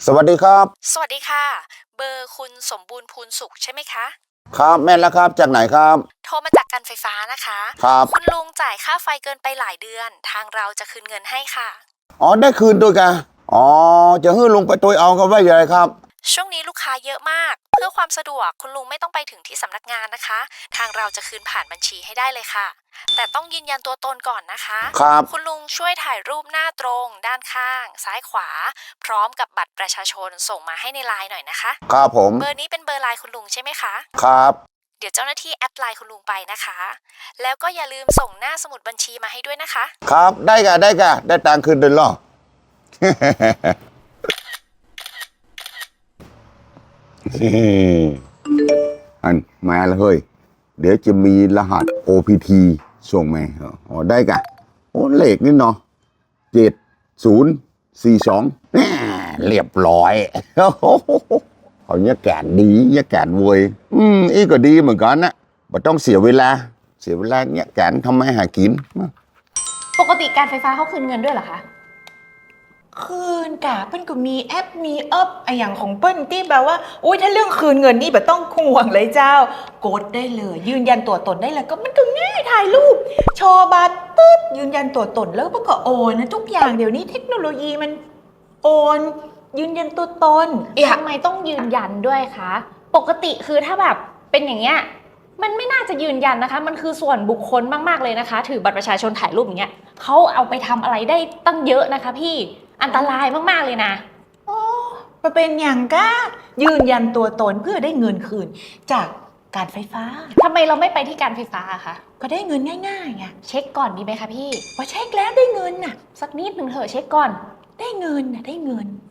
สวัสดีครับสวัสดีค่ะเบอร์คุณสมบูรณ์พูนสุขใช่ไหมคะครับแม่นแล้วครับจากไหนครับโทรมาจากการไฟฟ้านะคะครับคุณลุงจ่ายค่าไฟเกินไปหลายเดือนทางเราจะคืนเงินให้ค่ะอ๋อได้คืนด้วยกันอ๋อจะให้ลุงไปตัวเอากันไว้ยังไงครับช่วงนี้ลูกค้าเยอะมากเพื่อความสะดวกคุณลุงไม่ต้องไปถึงที่สำนักงานนะคะทางเราจะคืนผ่านบัญชีให้ได้เลยค่ะแต่ต้องยืนยันตัวตนก่อนนะคะครับคุณลุงช่วยถ่ายรูปหน้าตรงด้านข้างซ้ายขวาพร้อมกับบัตรประชาชนส่งมาให้ในไลน์หน่อยนะคะครับผมเบอร์นี้เป็นเบอร์ไลน์คุณลุงใช่ไหมคะครับเดี๋ยวเจ้าหน้าที่แอดไลน์คุณลุงไปนะคะ แล้วก็อย่าลืมส่งหน้าสมุดบัญชีมาให้ด้วยนะคะครับได้ตังค์คืนเดือนหรอ อันมาแล้วเฮ้ยเดี๋ยวจะมีรหัส OPT ส่งมาอ๋อได้กะโอ้เลขนี่เนาะ7042เรียบร้อย เขาเนี่ยแกนดีเนี่ยแกนเวยอีก็ดีเหมือนกันนะไม่ต้องเสียเวลาเนี่ยแกนทำไมหากินปกติการไฟฟ้าเขาคืนเงินด้วยเหรอคะคืนกะเปิ้ลก็มีแอปมีเอิบไออย่างของเปิ้ลที่แบบว่าอุ้ยถ้าเรื่องคืนเงินนี่แบบต้องห่วงเลยเจ้ากดได้เลยยืนยันตัวตนได้เลยก็มันก็ง่ายถ่ายรูปโชว์บัตรปึ๊บยืนยันตัวตนแล้วก็โอนนะทุกอย่างเดี๋ยวนี้เทคโนโลยีมันโอนยืนยันตัวตนทำไมต้องยืนยันด้วยคะปกติคือถ้าแบบเป็นอย่างเงี้ยมันไม่น่าจะยืนยันนะคะมันคือส่วนบุคคลมากๆเลยนะคะถือบัตรประชาชนถ่ายรูปอย่างเงี้ยเขาเอาไปทำอะไรได้ตั้งเยอะนะคะพี่อันตรายมากๆเลยนะอ๋อมาเป็นอย่างก้ายืนยันตัวตนเพื่อได้เงินคืนจากการไฟฟ้าทำไมเราไม่ไปที่การไฟฟ้าอะคะก็ได้เงินง่ายๆไงเช็คก่อนดีไหมคะพี่พอเช็คแล้วได้เงินน่ะสักนิดหนึ่งเถอะเช็คก่อนได้เงินน่ะได้เงิน